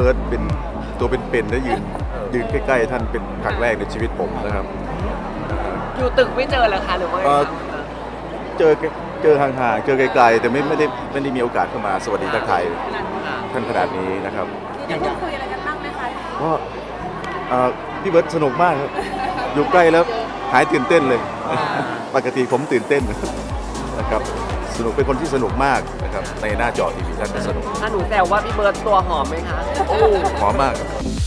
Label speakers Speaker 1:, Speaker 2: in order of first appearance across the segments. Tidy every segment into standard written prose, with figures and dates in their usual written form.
Speaker 1: บิร์ดเป็นตัวเป็นๆและยืนใกล้ๆท่านเป็นครั้งแรกในชีวิตผมนะครับ
Speaker 2: อยู่ตึกไม่เจอเหรอคะหรือว่าไงคะ
Speaker 1: เจอเจอห่างๆเจอไกลๆแต่ไม่ได้มีโอกาสเข้ามาสวัสดีทักทาย
Speaker 2: ค่ะ
Speaker 1: ท่านขนาดนี้นะครับ
Speaker 3: ได้พูดคุยอะไรกันบ้างไหมคะ
Speaker 1: ก็พี่เบิร์ดสนุกมากครับอยู่ใกล้แล้วหายตื่นเต้นเลยปกติผมตื่นเต้นนะครับสนุกเป็นคนที่สนุกมากนะครับในหน้าจอทีวีท่านก็สนุก
Speaker 2: ถ้าหนูแซวว่าพี่เบิร์ตตัวหอมไหมคะโอ้
Speaker 1: หอมมาก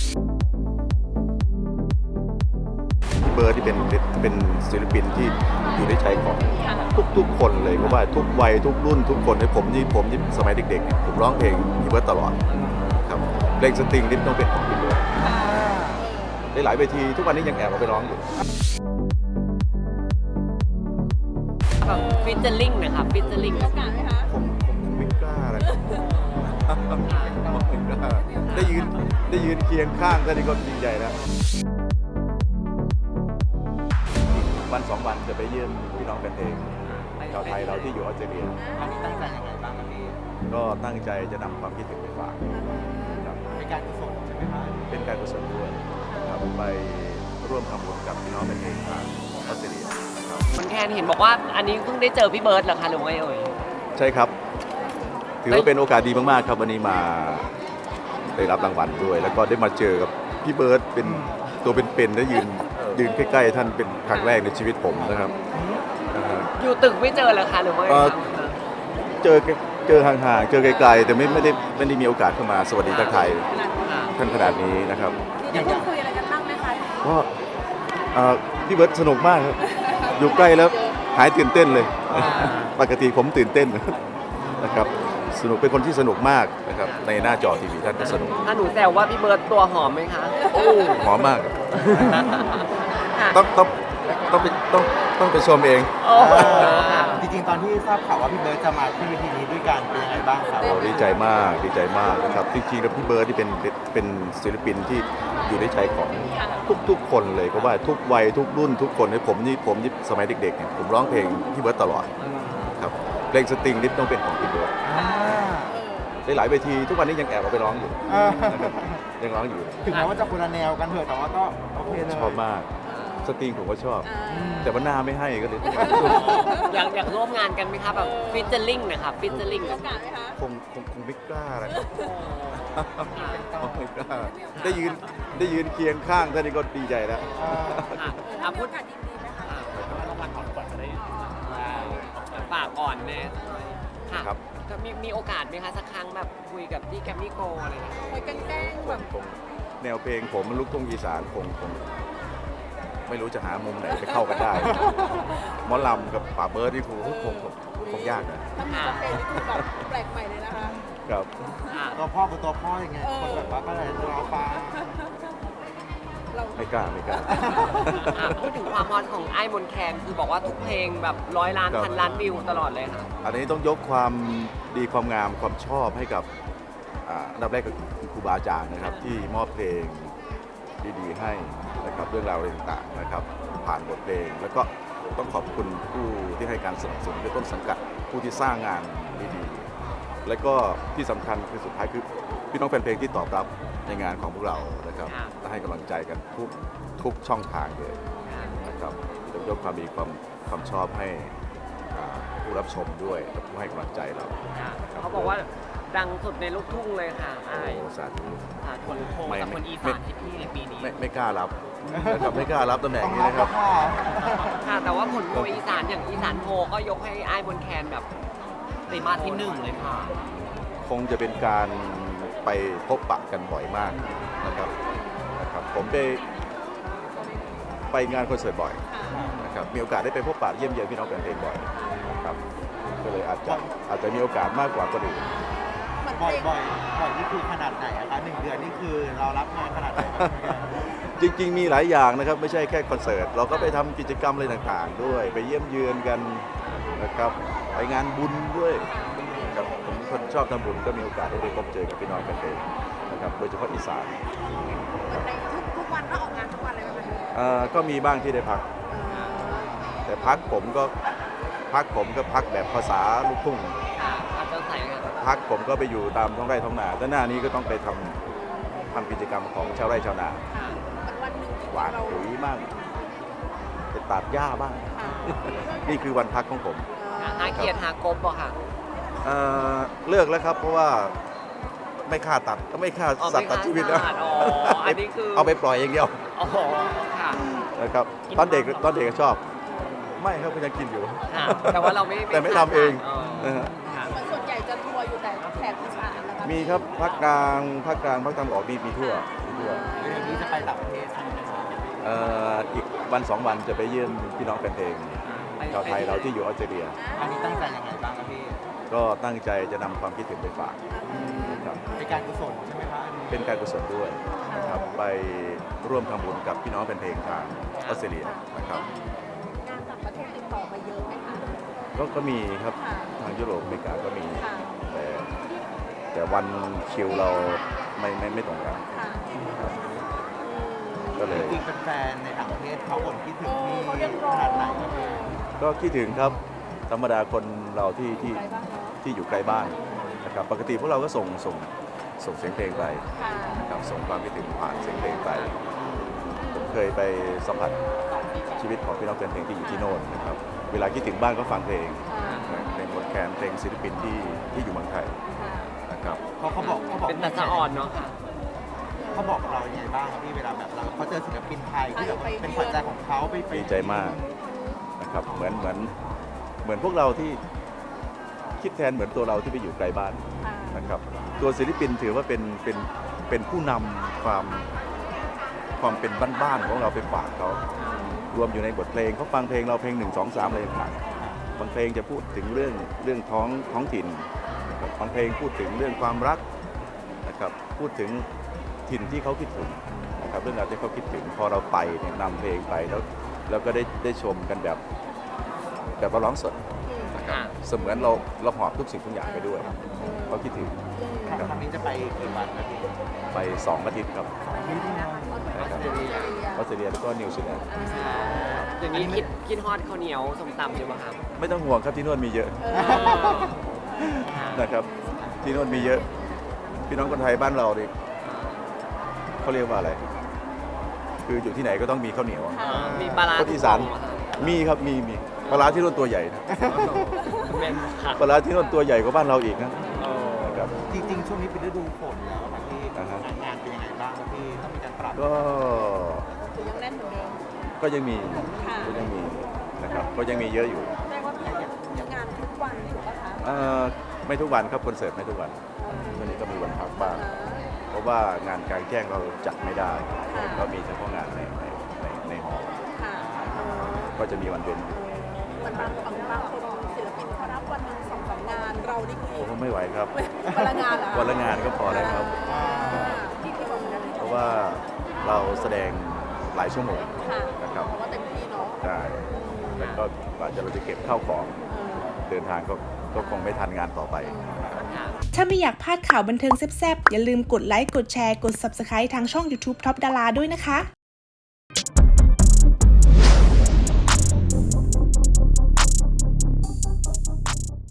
Speaker 1: พี่เบิร์ดที่เป็นศิลปินที่อยู่ในใจของทุกคนเลยเพราะว่าทุกวัยทุกรุ่นทุกคนในผมที่สมัยเด็กๆเนี่ยผมร้องเพลงพี่เบิร์ดตลอดครับเพลงสตริงนี่ต้องเป็นของพี่เบิร์ดได้หลายเวทีทุกวันนี้ยังแอบเอาไปร้องอยู่
Speaker 2: แบบฟิชเจอริงนะคะฟิชเจอริง
Speaker 3: มีโอกาสไหมคะ
Speaker 1: ผมไม่กล้าเลยผมไม่กล้าได้ยืนเคียงข้างท่านนี่ก็ดีใจแล้ววันสองวันจะไปเยี่ยมพี่น้องกันเองชาวไทยเราที่อยู่ออสเตรเลีย
Speaker 4: ครั้งนี้ตั้งใจยังไงบ้างครับพี่
Speaker 1: ก็ตั้งใจจะนำความคิดถึงไปฝากครับ
Speaker 4: เป็นการกุศลใช่ไหมครับ
Speaker 1: เป็นการกุศลด้วยครับไปร่วมทำบุญกับพี่น้องกันเองทางออสเตรเลียนะครับ
Speaker 2: มันแคนเห็นบอกว่าอันนี้เพิ่งได้เจอพี่เบิร์ตเหรอคะหรือว่าไงเอ่ย
Speaker 1: ใช่ครับ ถือว่าเป็นโอกาสดีมากๆครับวันนี้มาได้รับรางวัลด้วย แล้วก็ได้มาเจอกับพี่เบิร์ตเป็นตัวเป็นๆและยืนใกล้ๆท่านเป็นครั้งแรกในชีวิตผมนะครับ
Speaker 2: อยู่ตึกไม่เจอเหรอคะหรือว่าไงคะ
Speaker 1: เจอห่างๆเจอไกลๆแต่ไม่ได้มีโอกาสเข้ามาสวัสดีทักทาย
Speaker 2: ค่ะ
Speaker 1: ท่านขนาดนี้นะครับ
Speaker 3: ได้พูดคุยอะไรกันบ้างไหมคะ
Speaker 1: ก็พี่เบิร์ตสนุกมากครับอยู่ใกล้แล้วหายตื่นเต้นเลยปกติผมตื่นเต้นนะครับสนุกเป็นคนที่สนุกมากนะครับในหน้าจอทีวีท่านก็สนุก
Speaker 2: ถ้าหนูแซวว่าพี่เบิร์ตตัวหอมไหมคะโอ้
Speaker 1: หอมมาก
Speaker 2: ค่ะ
Speaker 1: ต้องไปชมเอง
Speaker 2: โอ้ค่ะ
Speaker 4: จริงๆ ตอนที่ทราบข่าวว่าพี่เบิร์ดจะมาขึ้นเวทีนี้ด้วยกันเป็นยังไงบ้างครับ
Speaker 1: เราดีใจมากนะครับจริงๆแล้วพี่เบิร์ดที่เป็นศิลปินที่อยู่ในใจของทุกคนเลยเพราะว่าทุกวัยทุกรุ่นทุกคนในผมที่สมัยเด็กๆเนี่ยผมร้องเพลงพี่เบิร์ดตลอดครับเพลงสตริงนี่ต้องเป็นของพี่เบิร์ดได้หลายเวทีทุกวันนี้ยังแอบเอาไปร้องอยู่นะครับยังร้องอยู่
Speaker 4: ถึงแม้ว่าจะคนละแนวกันเถอะแต่ว่าก็โอเคเลย
Speaker 1: ชอบมากสตริงผมก็ชอบ แต่ว่าหน้าไม่ให้ก็เลย
Speaker 2: อยากร่วมงานกันไหมคะแบบฟิชเจอริงนะคะฟิชเจอริง
Speaker 3: มีโอกาสไหมคะ
Speaker 1: คงไม่กล้าอะไรครับไม่กล้าได้ยืนเคียงข้างท่านนี่ก็ดีใจแล้ว
Speaker 2: ค่ะพู
Speaker 3: มี
Speaker 2: ด
Speaker 3: โอกาสยินดีไหมคะ
Speaker 2: รางวัลก่อนก่อนจะได้ฝากก่อนแม่ค่ะ
Speaker 1: ครับ
Speaker 2: จะมีโอกาสไหมคะสักครั้งแบบคุยกับที่แกรมมี่โกลอะไรอย่างเงี้ย
Speaker 3: คุยกันแกล้งแบบ
Speaker 1: คงแนวเพลงผมลูกทุ่งอีสานคงไม่รู้จะหามุมไหนไปเข้ากันได้หมอลำกับป่าเบิร์ดนี่คงยากนะ
Speaker 3: ถ้ามีสเปนนี่คือแบบแปลกใหม่เลยนะคะ
Speaker 1: ครับ
Speaker 2: ค่ะ
Speaker 4: ตัวพ่อเป็นตัวพ่อยังไงคนแบบว่าก็เลยรอฟัง
Speaker 3: เรา
Speaker 1: ไม่กล้า
Speaker 2: พูดถึงความฮอตของไอ้มนต์แคนคือบอกว่าทุกเพลงแบบ100 ล้าน
Speaker 1: ครับ
Speaker 2: พันล้านวิวตลอดเลยค่ะ
Speaker 1: อันนี้ต้องยกความดีความงามความชอบให้กับอันดับแรกก็คือครูบาอาจารย์นะครับที่มอบเพลงดีๆให้นะครับเรื่องราวอะไรต่างๆนะครับผ่านบทเพลงแล้วก็ต้องขอบคุณผู้ที่ให้การสนับสนุนคือต้นสังกัดผู้ที่สร้างงานดีๆและก็ที่สำคัญคือสุดท้ายคือพี่น้องแฟนเพลงที่ตอบรับในงานของพวกเรานะครับ
Speaker 2: ค่ะ
Speaker 1: และให้กำลังใจกันทุกช่องทางเลยนะครับต้องยกความดีความชอบให้ผู้รับชมด้วยและผู้ให้กำลังใจเรา
Speaker 2: เขาบอกว่าดังสุดในลูกทุ่งเลยค่ะไอ้
Speaker 1: โอ้สาธุ
Speaker 2: ค่ะคนโทงกับคนอีสานให้พี่ในปีนี้
Speaker 1: ไม่กล้ารับนะครับไม่กล้ารับตำแหน่ง
Speaker 4: ต้อง
Speaker 1: นี้
Speaker 4: รับ
Speaker 1: นะค
Speaker 4: แล้
Speaker 1: รั
Speaker 4: ว
Speaker 1: บ
Speaker 4: ค่ะ
Speaker 2: ค่ะแต่ว่าผลโพลอีสานอย่างอีสานโพลก็ยกให้ไอ้มนต์แคนแบบติมาที่ 1เลยค่ะ
Speaker 1: คงจะเป็นการไปพบปะกันบ่อยมากนะครับผมไปงานคอนเสิร์ตบ่อยนะครับมีโอกาสได้ไปพบปะเยี่ยมเยียนพี่น้องแฟนเพลงบ่อยนะครับก็เลยอาจจะมีโอกาสมากกว่าคนอื่น
Speaker 3: เหมือนเพ
Speaker 4: บ่อย
Speaker 3: ลง
Speaker 4: บ่อยนี่คือขนาดไหนอะคะ1 เดือนนี่คือเรารับงานขนาดไหนครับ
Speaker 1: จริงๆมีหลายอย่างนะครับไม่ใช่แค่คอนเสิร์ตเราก็ไปทำกิจกรรมอะไรต่างๆ ด้วยไปเยี่ยมเยือนกันนะครับไปงานบุญด้วยครับผมเป็นคนชอบทำบุญก็มีโอกาสได้ไปพบเจอกับพี่น้องแฟนเพลงนะครับโดยเฉพาะอีสาน
Speaker 3: เหมือนในทุกวันก็ออกงานทุกวันเลยไหมคะ
Speaker 1: ก็มีบ้างที่ได้พัก แต่พักผมก็พักแบบภาษาลูกทุ่ง
Speaker 2: ค่ะอาจจะใส่กัน
Speaker 1: พักผมก็ไปอยู่ตามท้องไร่ท้องนาแต่หน้านี้ก็ต้องไปทำทำกิจกรรมของชาวไร่ชาวนา
Speaker 3: ค่ะวันหนึ่งจริงๆ
Speaker 1: หวาน
Speaker 3: เรา
Speaker 1: ปุ๋ยบ้างไปตัดหญ้าบ้าง
Speaker 3: ค่ะ
Speaker 1: นี่คือวันพักของผม
Speaker 2: หาเกียรติหากบบ่ค่ะ
Speaker 1: เลิกแล้วครับเพราะว่าไม่ฆ่าตัดไม่ฆ่า
Speaker 2: อ๋อ
Speaker 1: สัตว์ตัดชีวิตแล้ว
Speaker 2: ไม่ฆ่าสัตว์อ๋ออันนี้คือ
Speaker 1: เอาไปปล่อยอย่างเดียว
Speaker 2: อ๋อค่ะ
Speaker 1: นะครับตอนเด็กก็ชอบ ไม่ครับก็ยังกินอยู่
Speaker 2: ค่ะแต่ว่าเราไม่
Speaker 1: แต่ไม่ทำเอง
Speaker 2: อ๋อ
Speaker 1: นะฮะ
Speaker 2: ค่ะ
Speaker 3: มันส่วนใหญ่จะทัวร์อยู่แต่แถบอีสานนะคะ
Speaker 1: มีครับภาคกลางภาคตะวันออกมีทั่ว
Speaker 4: เดือนนี้จะไปต่างประเทศใช่ไหมครับ
Speaker 1: อีกวันสองวันจะไปเยี่ยมพี่น้องแฟนเพลงชาวไทยเราที่อยู่ออสเตรเลีย
Speaker 4: อันนี้ตั้งใจยังไงบ้างครับพี่
Speaker 1: ก็ตั้งใจจะนำความคิดถึงไปฝากนะครับ
Speaker 4: เป็นการกุศลใช่ไหมครับอันนี้
Speaker 1: เป็นการกุศลด้วยนะครับไปร่วมทำบุญกับพี่น้องแฟนเพลงทางออสเตรเลียนะครับ
Speaker 3: งานต่างประเทศติดต่อมาเยอะไหมคะ
Speaker 1: ก็มีครับ
Speaker 3: ค่ะ
Speaker 1: ทางยุโรปอเมริกาก็มี
Speaker 3: ค่ะ
Speaker 1: แต่วันคิวเราไม่ตรงกัน
Speaker 3: ค่ะ
Speaker 1: ก็เลย
Speaker 4: จริงๆแฟนๆในต่างประเทศเขาบ่นคิดถึงพี่
Speaker 3: เขาเรียก
Speaker 4: ข
Speaker 3: ร้อง
Speaker 4: นาดไหนครับพี่
Speaker 1: ก็คิดถึงครับธรรมดาคนเราที่
Speaker 3: ไปบ้างเนาะ
Speaker 1: ที่อยู่ใกล้บ้านนะครับปกติพวกเราก็ส่งเสียงเพลงไป
Speaker 3: ค่ะ
Speaker 1: นะครับส่งความคิดถึงผ่านเสียงเพลงไปผมเคยไปสัมผัสชีวิตของพี่น้องแฟนเพลงที่อยู่ที่โน่นนะครับเวลาคิดถึงบ้านก็ฟังเพลง
Speaker 3: ค่ะ
Speaker 1: เพลงบทแคนเพลงศิลปินที่อยู่เมืองไทย
Speaker 3: ค่ะ
Speaker 1: นะครับ
Speaker 4: เขาบอก
Speaker 2: เป็นตาสะอ่อนเนาะค่ะ
Speaker 4: เขาบอกกับเรายังไงบ้างครับพี่เวลาแบบเราเขาเจอศิลปินไทยที่แบบเป็นขวัญใจของเขาไป
Speaker 1: ดีใจมากนะครับเหมือนพวกเราที่คิดแทนเหมือนตัวเราที่ไปอยู่ไกลบ้าน
Speaker 3: ค่ะ
Speaker 1: นะครับตัวศิลปินถือว่าเป็นผู้นำความเป็นบ้านๆของเราไปฝากเขารวมอยู่ในบทเพลงเขาฟังเพลงเราเพลง1 2 3อะไรต่างๆบางเพลงจะพูดถึงเรื่องท้องถิ่นนะครับบางเพลงพูดถึงเรื่องความรักนะครับพูดถึงถิ่นที่เขาคิดถึงนะครับเรื่องราวที่เขาคิดถึงพอเราไปเนี่ยนำเพลงไปแล้วก็ได้ชมกันแบบเราร้องสดนะครับเสมือนเราหอบทุกสิ่งทุกอย่างไปด้วยเขาคิดถึง
Speaker 4: ครั้งนี้จะไปกี่วันครับพี่
Speaker 1: ไป2 อาทิตย์ครับ
Speaker 4: นี่ที่นะ
Speaker 3: ออสเตรเลีย
Speaker 1: ออสเตรเลียแล้วก็นิวซีแลนด์
Speaker 2: อย่างนี้คิดฮอดข้าวเหนียวส้มตำอยู่ป่ะครับ
Speaker 1: ไม่ต้องห่วงครับที่โน่นมีเยอะนะครับที่โน่นมีเยอะ พี่น้องคนไทยบ้านเราดิเขาเรียกว่าอะไร คืออยู่ที่ไหนก็ต้องมีข้าวเหนียว
Speaker 2: มีปลาร้า
Speaker 1: คนอีสานมีครับมีปลาร้าที่โน่นตัวใหญ่นะ
Speaker 2: เป็นค่ะ
Speaker 1: ปลาร้าที่โน่นตัวใหญ่กว่าบ้านเราอีกนะนะครับ
Speaker 4: จริงๆช่วงนี้เป็นฤดูฝนแล้วครับพี่
Speaker 1: อ่าฮะ
Speaker 4: งานเป็นยังไงบ้างครับพี่ต้องมีการปรับ
Speaker 1: ก็
Speaker 3: คือยังแน่นเหมือนเดิม
Speaker 1: ก็ยังมี
Speaker 3: ค่ะ
Speaker 1: ก็ยังมีนะครับก็ยังมีเยอะอยู่
Speaker 3: แสดงว่าพี่มีงานทุกวันถูกปะคะ
Speaker 1: ไม่ทุกวันครับคอนเสิร์ตไม่ทุกวันช่วงนี้ก็มีวันพักบ้าง เพราะว่างานกลางแจ้งเราจัดไม่ได้ก็มีเฉพาะงานในหอ
Speaker 3: ค่ะ
Speaker 1: ก็จะมีวันเว้นอยู่
Speaker 3: มันบางคนศิลปินเขารับวันหนึ่ง2-3 งานเรานี่คือ
Speaker 1: ผมไม่ไหวครับ
Speaker 3: วันละงานเหรอ
Speaker 1: วันละงานก็พอแล้วครับ
Speaker 3: ที่ที่บอกกัน
Speaker 1: เพราะว่าเราแสดงหลายชั่วโมง
Speaker 3: ค่ะ
Speaker 1: นะครับ
Speaker 3: เพราะว่าเต็มที่เนาะ
Speaker 1: ได้แล้วก็กว่าเราจะเก็บข้าวของเดินทางก็คงไม่ทันงานต่อไป
Speaker 5: ถ้าไม่อยากพลาดข่าวบันเทิงแซ่บๆ อย่าลืมกดไลค์ กดแชร์ กด Subscribe ทางช่อง YouTube Top Dara ด้วยนะคะ